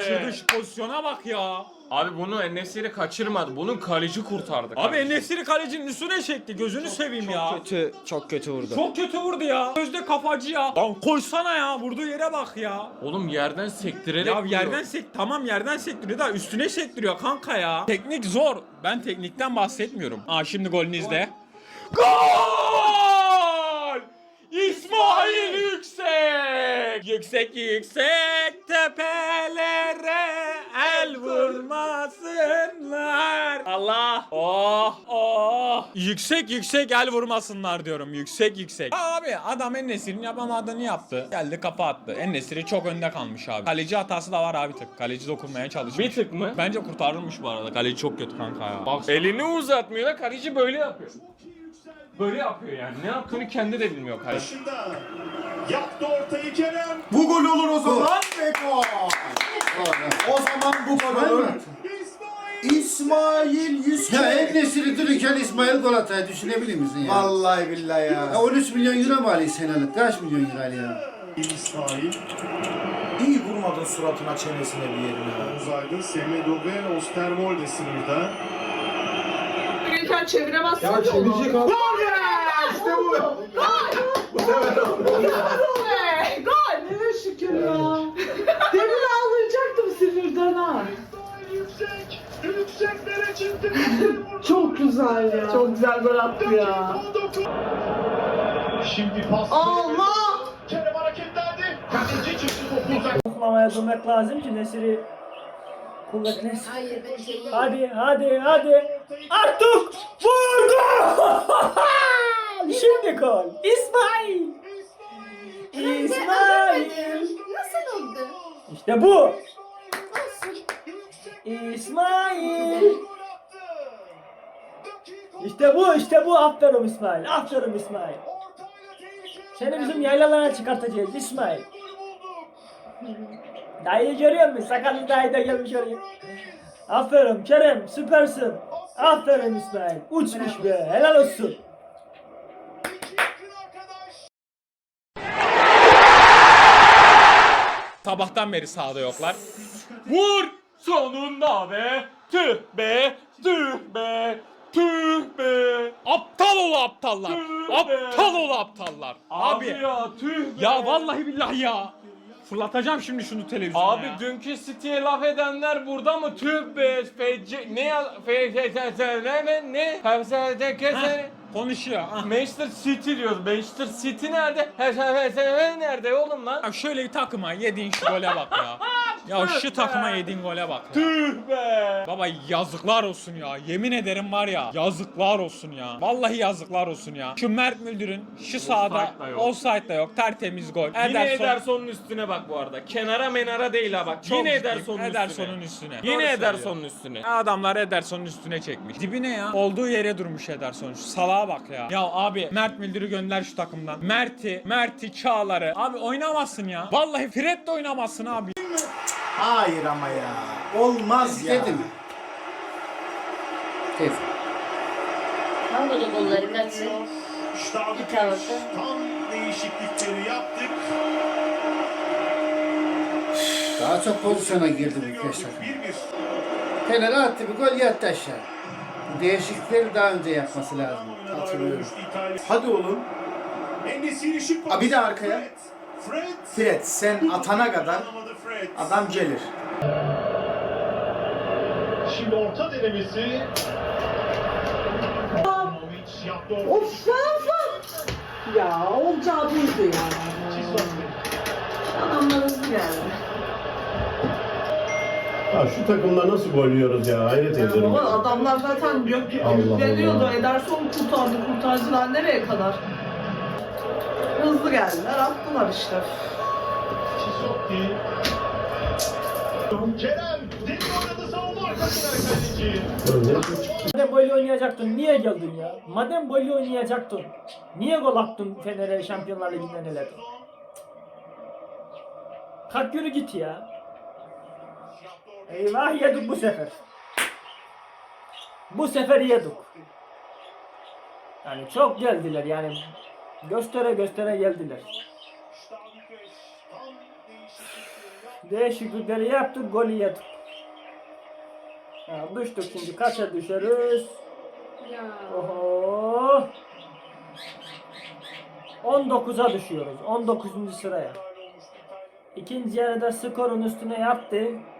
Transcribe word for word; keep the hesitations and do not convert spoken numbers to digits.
kaçırdığı şu pozisyona bak ya. Abi bunu En-Nesyri kaçırmadı. Bunun kaleci kurtardı. Abi En-Nesyri kalecinin üstüne çekti. Gözünü seveyim ya. Kötü, çok kötü vurdu. Çok kötü vurdu ya. Gözde kafacı ya. Lan koysana ya. Vurduğu yere bak ya. Oğlum yerden sektirerek Ya vuruyor. yerden sek tamam yerden sektiriyor da üstüne sektiriyor kanka ya. Teknik zor. Ben teknikten bahsetmiyorum. Aa şimdi golünü izle. Gol! İsmail Yüksek! Yüksek yüksek tepelere el vurmasınlar. Allah! Oh! Oh! Yüksek yüksek el vurmasınlar diyorum. Yüksek yüksek. Abi adam En-Nesyri'nin yapamadığını yaptı. Geldi kafa attı. En-Nesyri çok önde kalmış abi. Kaleci hatası da var abi tık. Kaleci dokunmaya çalışmış. Bir tık mı? Bence kurtarılmış bu arada. Kaleci çok kötü kanka ya. Bak elini uzatmıyor da kaleci böyle yapıyor. Böyle yapıyor yani. Ne yaptığını kendi de bilmiyor kaleci. Başında yaptı ortayı Kerem. Bu gol olur o zaman ve gol. O zaman bu gol olur. İsmail. İsmail Yüksek. Ya En-Nesyri dururken İsmail gol atayı düşünebilir misin ya? Vallahi billahi ya. Ya on üç milyon euro mu alıyor senelik? Kaç milyon euro alıyor ya? İsmail. İyi vurmadın suratına çenesine bir yerine. Uzaydı. Semedo ve Osterwolde sınırda. Lütfen çeviremezsin. Ya çevirecek abi. Gol be! İşte bu. Gol! Bu sefer oldu. Gol be! Gol! Ne şükür ya. Demin ağlayacaktım sinirden ha. Yüksek. Yükseklere çıktı. Çok güzel ya. Çok güzel gol attı ya. Şimdi pas. Allah! Kerem hareketlendi. Kaleci çıktı topu uzak. Tutmamaya durmak lazım ki Nesiri kuvvetlensin. Hayır ben şey Hadi hadi hadi. Artık vurdu. Şimdi gol. İsmail. İsmail. nasıl oldu? İşte bu. Olsun. İsmail. İşte bu işte bu. Aferin İsmail. Aferin İsmail. Seni bizim yaylalara çıkartacağız İsmail. Dayıyı görüyor musun? Sakallı dayı da gelmiş oraya. Aferin Kerem, süpersin. Aferin İsmail. Uçmuş be, helal olsun. Sabahtan beri sahada yoklar. Vur! Sonunda be! Tüh be! Tüh be! Tüh be! Aptal ol aptallar! Tüh be! Aptal ol aptallar! Abi, ya tüh be. ya vallahi billahi ya! Fırlatacağım şimdi şunu televizyona Abi ya. dünkü City'ye laf edenler burada mı? Tüh be. Fece ne ya? Fece ne ne ne? Hepsi kese. Konuşuyor. ha. Manchester City diyoruz. Manchester City nerede? Hepsi nerede oğlum lan? Ya şöyle bir takıma yediğin şu gole bak ya. Ya şu takıma yediğin gole bak ya. Tüh be. Baba yazıklar olsun ya. Yemin ederim var ya. Yazıklar olsun ya. Vallahi yazıklar olsun ya. Şu Mert Müldür'ün şu sahada Offside da yok. offside da yok. Tertemiz gol. Yine Ederson'un üstüne bak bu arada. Kenara menara değil ha bak. Çok Yine ciddiyim. Ederson'un Ederson'un üstüne. üstüne. Yine Doğru Ederson'un söylüyor. üstüne. Adamlar Ederson'un üstüne çekmiş. Dibine ya. Olduğu yere durmuş Ederson. Şu salağa bak ya. Ya abi Mert Müldür'ü gönder şu takımdan. Mert'i, Mert'i, Çağlar'ı. Abi oynamazsın ya. Vallahi Fred de oynamazsın abi. Hayır ama ya. Olmaz ya. İstedi mi? Evet. Hangi golleri kaçsın? İşte abi. Bir tarafa. Tam değişiklikleri yaptık. Daha çok pozisyona girdi bu beş takım. bir bir. Kenara attı bir gol yattı aşağı. Bu değişiklikleri daha önce yapması lazım. Hatırlıyorum. Hadi oğlum. En-Nesyri şık Ha, bir de arkaya. Fred. Fred sen atana kadar Alamadı Fred. adam gelir. Şimdi orta denemesi. Yaptı orta. Of sen ya olacağı buydu ya. Adamlar hızlı geldi. Ya şu takımda nasıl gol yiyoruz ya, hayret ediyorum. Ama adamlar zaten yok Allah yükleniyordu. Allah. Ederson kurtardı, kurtarıcılar nereye kadar? Hızlı geldiler, attılar işte. Çisotti. Kerem. Deli oynadı savunma arkasına kaleci. Madem böyle oynayacaktın niye geldin ya? Madem böyle oynayacaktın niye gol attın Fener'e Şampiyonlar Ligi'nden eledin? Kalk yürü git ya. Eyvah yedik bu sefer. Bu sefer yedik. Yani çok geldiler yani. Göstere göstere geldiler. Değişiklikleri yaptık, golü yedik. Ya düştük şimdi, kaça düşeriz? Ya. Oho. on dokuza düşüyoruz. on dokuzuncu sıraya. İkinci yarıda skorun üstüne yattı.